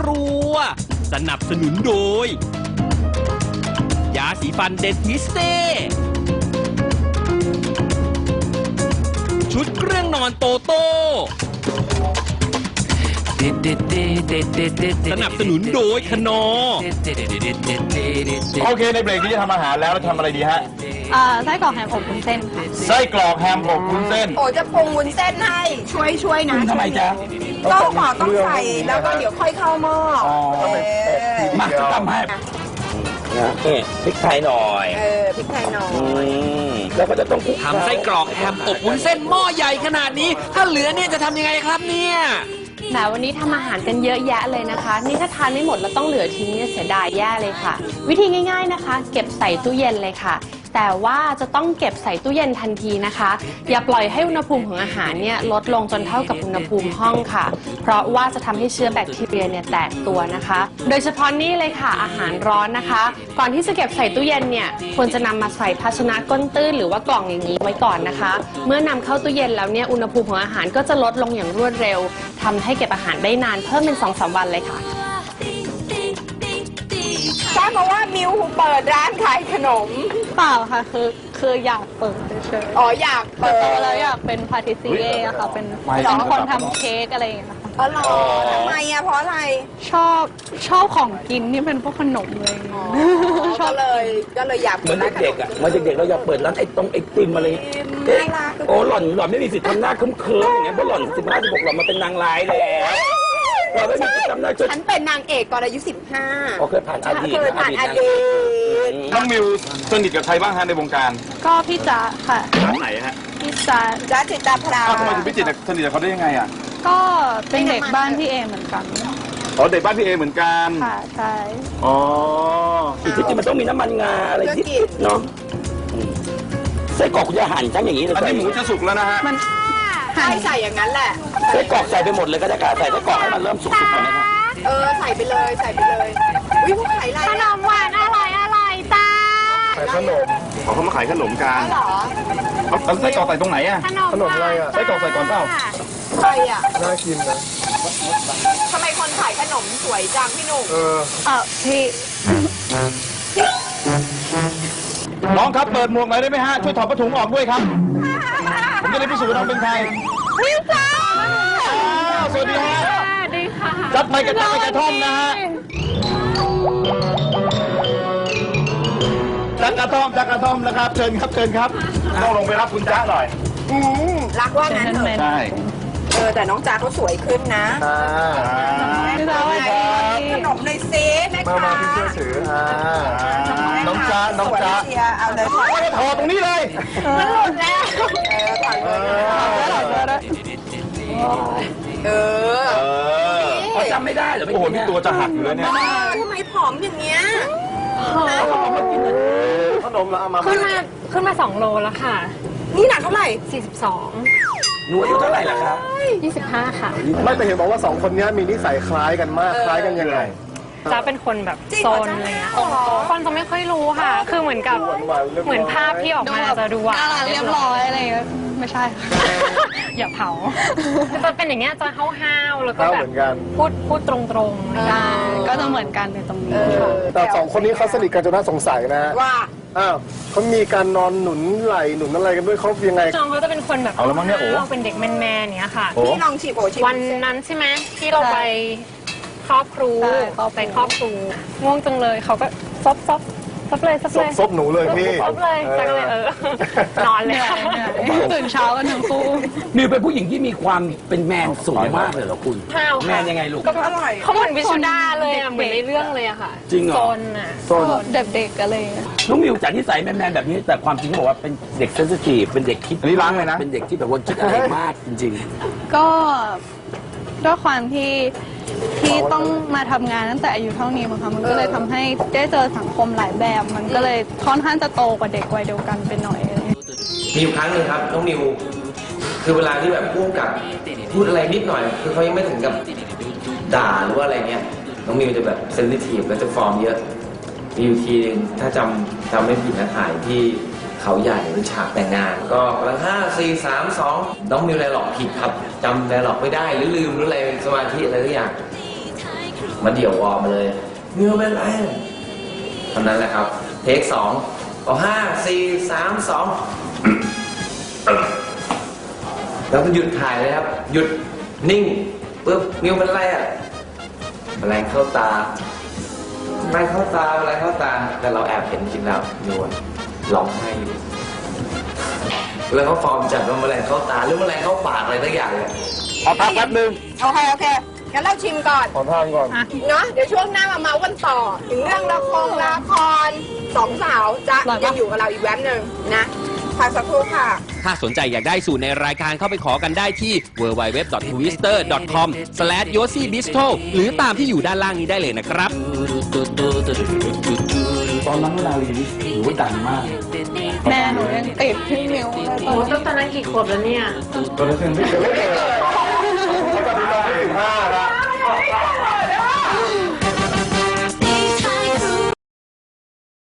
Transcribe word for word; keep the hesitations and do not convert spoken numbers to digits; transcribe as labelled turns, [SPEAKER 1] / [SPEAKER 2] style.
[SPEAKER 1] รัวสนับสนุนโดยยาสีฟันเดนทิสเต้ชุดเครื่องนอนโตโต้สนับสนุนโดยคนอ
[SPEAKER 2] โอเคในเบรกนี้จะทำอาหารแล้วแล้วทำอะไรดีฮะ
[SPEAKER 3] เอ่อไส้กรอกแฮมอบวุ้นเส้นค่ะ
[SPEAKER 2] ไส้กรอกแฮมอบวุ้นเส้น
[SPEAKER 4] โอ้จะปรุงวุ้นเส้นให้ช่วยช่วยนะ
[SPEAKER 2] ทำไมจ๊ะ
[SPEAKER 4] ก็หมอต้องใส่แล้วก็เดี๋ยวค่อยเข้าหม้อ
[SPEAKER 2] มาทำให้
[SPEAKER 5] นี่พริกไทยหน่อย
[SPEAKER 4] เออพริกไทยหน่อย
[SPEAKER 5] แล้วก็จะต้อง
[SPEAKER 1] ทำไส้กรอกแฮมอบวุ้นเส้นหม้อใหญ่ขนาดนี้ถ้าเหลือเนี่ยจะทำยังไงครับเนี่ย
[SPEAKER 3] แหมวันนี้ทำอาหารกันเยอะแยะเลยนะคะนี่ถ้าทานไม่หมดแล้วต้องเหลือทิ้งเนี่ยเสียดายแย่เลยค่ะวิธีง่ายๆนะคะเก็บใส่ตู้เย็นเลยค่ะแต่ว่าจะต้องเก็บใส่ตู้เย็นทันทีนะคะอย่าปล่อยให้อุณหภูมิของอาหารเนี่ยลดลงจนเท่ากับอุณหภูมิห้องค่ะเพราะว่าจะทำให้เชื้อแบคทีเรียเนี่ยแตกตัวนะคะโดยเฉพาะนี่เลยค่ะอาหารร้อนนะคะก่อนที่จะเก็บใส่ตู้เย็นเนี่ยควรจะนำมาใส่ภาชนะก้นตื้นหรือว่ากล่องอย่างนี้ไว้ก่อนนะคะเมื่อนำเข้าตู้เย็นแล้วเนี่ยอุณหภูมิของอาหารก็จะลดลงอย่างรวดเร็วทำให้เก็บอาหารได้นานเพิ่มเป็น สองถึงสาม วันเลยค่ะ
[SPEAKER 4] ทราบมาว่ามิวเปิดร้านขายขนม
[SPEAKER 3] เปล่าค่ะคือคืออยากเปิดเฉยๆ
[SPEAKER 4] อ๋ออยากเปิด
[SPEAKER 3] แล้วอยากเป็นพาติซิเย่อะค่ะเป็นเป็นคนทำเค้กอะไรอย่างเงี้ยค่ะ
[SPEAKER 4] อ๋อหรอทำไมอะเพราะอะไร
[SPEAKER 3] ชอบชอบของกินที่เป็นพวกขนมเลย
[SPEAKER 4] ก็เลยก็เลยอยาก
[SPEAKER 5] เหมือนเด็กๆอ่ะเหมือนเด็กๆเราอยากเปิดร้านไอ้ตรงไอติมอะไรเอ๊ะโอ้หล่อนหล่อนไม่มีสิทธิ์ทำหน้าเคิมๆอย่างเงี้ยเพราะหล่อนสิบห้าสิบหกหล่อนมาเป็นนางร้ายแล้วเราไม่มีสิทธิ์ทำหน้า
[SPEAKER 4] ฉันเป็นนางเอกตอนอายุสิบห้า
[SPEAKER 5] โอเคผ่านอดีต
[SPEAKER 4] เคยผ่านอดีต
[SPEAKER 2] น้องมิวสนิทกับใครบ้างฮะในวงการ
[SPEAKER 3] ก็พี่จ๊ะค่ะ
[SPEAKER 2] ร้านไหนฮะ
[SPEAKER 3] พี่จ๊ะ
[SPEAKER 4] จ๊ะจิตาพรา
[SPEAKER 2] ทำไมถึงพี่จิตสนิทกับเขาได้ยังไงอ่ะ
[SPEAKER 3] ก็เป็นเด็กบ้านพี่เอเหมือนกัน
[SPEAKER 2] อ๋อเด็กบ้านพี่เอเหมือนกัน
[SPEAKER 3] ค่ะใช่
[SPEAKER 2] อ๋อ
[SPEAKER 5] อีกที่จริงมันต้องมีน้ำมันงาอะไรนิดเนาะไส้กรอกคุณจะหั่นทั้งอย่างนี้เลย
[SPEAKER 2] อันนี้หมูจะสุกแล้วนะฮะ
[SPEAKER 4] มันใช่ใส่อย่างนั้นแหละ
[SPEAKER 5] ไส้กรอกใส่ไปหมดเลยก็ได้ค่ะใส่ไส้กรอกให้มันเริ่มสุกๆก่อนนะครับ
[SPEAKER 4] เออใส่ไปเลยใส่ไปเลยอุ้ยพวกขายอะไร
[SPEAKER 3] ขนมหวานอร่อยอร่อยจ้า
[SPEAKER 2] ขายขนมเขามาขายขนมกัน
[SPEAKER 4] เหรอ
[SPEAKER 2] เอาไส้กรอกใส่ตรงไหนอ่ะ
[SPEAKER 3] ขนมอะไร
[SPEAKER 2] อ่ะไส้กรอกใส่ก่อนเปล่า
[SPEAKER 4] ใช่อ่ะ
[SPEAKER 2] น่ากินนะ
[SPEAKER 4] ทำไมคนขายขนมสวยจังพี่หนุ่ม
[SPEAKER 2] เออ
[SPEAKER 3] เออพี่
[SPEAKER 2] น้องครับเปิดหมวกหน่อยได้ไหมฮะช่วยถอดผ้าถุงออกด้วยครับผมจะได้พิสูจน์ว่าน้องเป็นใคร
[SPEAKER 4] มิวจ้า
[SPEAKER 2] สวัสดีฮะ
[SPEAKER 3] สวัสดีค่ะ
[SPEAKER 2] จัดไมค์กระท่อมกระท่อมนะฮะจักกระท่อมจักกระท่อมนะครับเชิญครับเชิญครับต้องลงไปรับคุณจ๊ะหน่อย
[SPEAKER 4] อืมรักว่างั้นเถอะ
[SPEAKER 2] ใช่
[SPEAKER 4] เออแต่น้องจ๊ะเขาสวยขึ้นนะ
[SPEAKER 2] อ่า
[SPEAKER 4] ขนมเลยซิแม่ค้า
[SPEAKER 2] มาพี่ช่วยถืออ่าน้องจ๊ะน้องจ๊ะ
[SPEAKER 4] เอาเลย
[SPEAKER 2] ถอดตรงนี้เลย
[SPEAKER 4] มันหลุดแล้วเออเออ
[SPEAKER 5] เขาจำไม่ได้เหรอ
[SPEAKER 2] โอ้โหนี่ตัวจะหักอยู่แล้วเนี่ย
[SPEAKER 4] ทำไมผอมอย่างเงี้ย
[SPEAKER 2] ขนมละเอามา
[SPEAKER 3] ขึ้นมาขึ้นมาสองโลแล้วค่ะ
[SPEAKER 4] นี่หนักเท่าไหร่
[SPEAKER 3] สี่สิบสอง
[SPEAKER 5] หนูอายุเท่าไหร่ล่ะครับ
[SPEAKER 3] ยี่สิบห้าค่ะ
[SPEAKER 2] ไม่แต่เห็นบอกว่าสองคนนี้มีนิสัยคล้ายกันมากคล้ายกันยังไง
[SPEAKER 3] จ๊ะเป็นคนแบบโซนอะไรเงี้ยคนจะไม่ค่อยรู้ค่ะคือเหมือนกับเหมือนภาพที่ออกมาจะดูว่าเรียบร้อยอะไรไม่ใช่อย่าเผาจะเป็นอย่างเงี้ยจะห้าวๆแล้วก็แบบพูดพูดตรงๆก็จะเหมือนกันในตรงนี้
[SPEAKER 2] แต่สองคนนี้เขาสนิทกันจนน่าสงสัยนะ
[SPEAKER 4] ว่า
[SPEAKER 2] อ้าวเขามีการนอนหนุนไหลหนุนอะไรกันด้วยเขายังไง
[SPEAKER 3] จองเขาจะเป็นคนแบบ
[SPEAKER 2] เอาแล้วมั้งเนี่ยโอ้
[SPEAKER 3] เป็นเด็กแมนๆเนี้ยค่ะ
[SPEAKER 4] ที่ลองฉีบโอฉีบ
[SPEAKER 3] วันนั้นใช่ไหมที่เราไปครอบครูไปครอบครูง่วงจังเลยเขาก็ซบซบซบเลยซบเลย
[SPEAKER 2] ซบหนูเลยพี่
[SPEAKER 3] ซบเลยจังเลยเออนอนเลยตื่นเช้ากันทั้งคู่
[SPEAKER 5] มิวเป็นผู้หญิงที่มีความเป็นแมนสูงมากเลยเหรอคุณแมนยังไงลูก
[SPEAKER 4] ก็อร่อย
[SPEAKER 3] เขาเหมือนวิชุดาเลยอ่ะเหมือนในเรื่องเลยอะค่ะ
[SPEAKER 5] จริงเหรอ
[SPEAKER 3] โซนอ่ะโซนเด็กๆกันเลย
[SPEAKER 5] น้องมิวจากนิสัยแมนๆแบบนี้แต่ความจริงเขาบอกว่าเป็นเด็กเซนซิทีฟเป็นเด็กคิด
[SPEAKER 2] อันนี้ล้างเลยนะ
[SPEAKER 5] เป็นเด็กที่แบบว่าคิดอะไรมากจริง
[SPEAKER 3] ๆก็ด้วยความที่ที่ต้องมาทำงานตั้งแต่อายุเท่านี้มั้งคะมันก็เลยทำให้ได้เจอสังคมหลายแบบมันก็เลยค่อนข้างจะโตกว่าเด็กวัยเดียวกันไปหน่อย
[SPEAKER 6] มีอยู่ครั้งหนึ่งครับน้องนิวคือเวลาที่แบบพูดกับพูดอะไรนิดหน่อยคือเขายังไม่ถึงกับด่าหรือว่าอะไรเงี้ยน้องนิวจะแบบเซนซิทีฟแล้วจะฟอร์มเยอะมีอยู่ทีนึงถ้าจำจำไม่ผิดนะถ่ายที่เขาใหญ่เป็นฉากแต่งงานก็กำลังห้าสี่สามสองน้องนิวไดร็อกผิดครับจำไดร็อกไม่ได้หรือลืมหรืออะไรสมาธิอะไรทุกอย่างมาเดี่ยววอร์มมาเลยมิวเป็นไรเท่านั้นแหละครับ เทคสองเอาห้าสี่สามสองแล้วก็หยุดถ่ายเลยครับ หยุดนิ่งปุ๊บมิวเป็นไรอ่ะแมลงเข้าตาแมลงเข้าตาแมลงเข้าตาแต่เราแอบเห็นจริงแล้วมิวอะร้องไห้อยู่แล้วเขาฟอร์มจัดว่าแมลงเข้าตาหรือแมลงเข้าปากอะไรสักอย่างเลย
[SPEAKER 2] ขอพักแป๊บนึง
[SPEAKER 4] โอเคโอเคงั้นเราชิมก่อน
[SPEAKER 2] ขอทานก่อน
[SPEAKER 4] เนาะเดี๋ยวช่วงหน้ามาเมาส์กันต่อ ถึงเรื่องละครละครสองสาวจะยังอยู่กับเราอีกแวบหนึ่งนะพักสักครู่ค่ะ
[SPEAKER 1] ถ้าสนใจอยากได้สูตรในรายการเข้าไปขอกันได้ที่ ดับเบิลยู ดับเบิลยู ดับเบิลยู ดอท ทวิสเตอร์ ดอท คอม สแลช โยซี่ บิสโทร หรือตามที่อยู่ด้านล่างนี้ได้เลยนะครับ
[SPEAKER 5] ตอนนั้นนาลีนี่ถือว่าดังมาก
[SPEAKER 4] แม่หนูยังติดพี่มิวเลย
[SPEAKER 3] โอ้ตั้งแต่นั้นกี่ขวบแล้วเนี่ย
[SPEAKER 2] ตอนนั้นยังไม่เกิด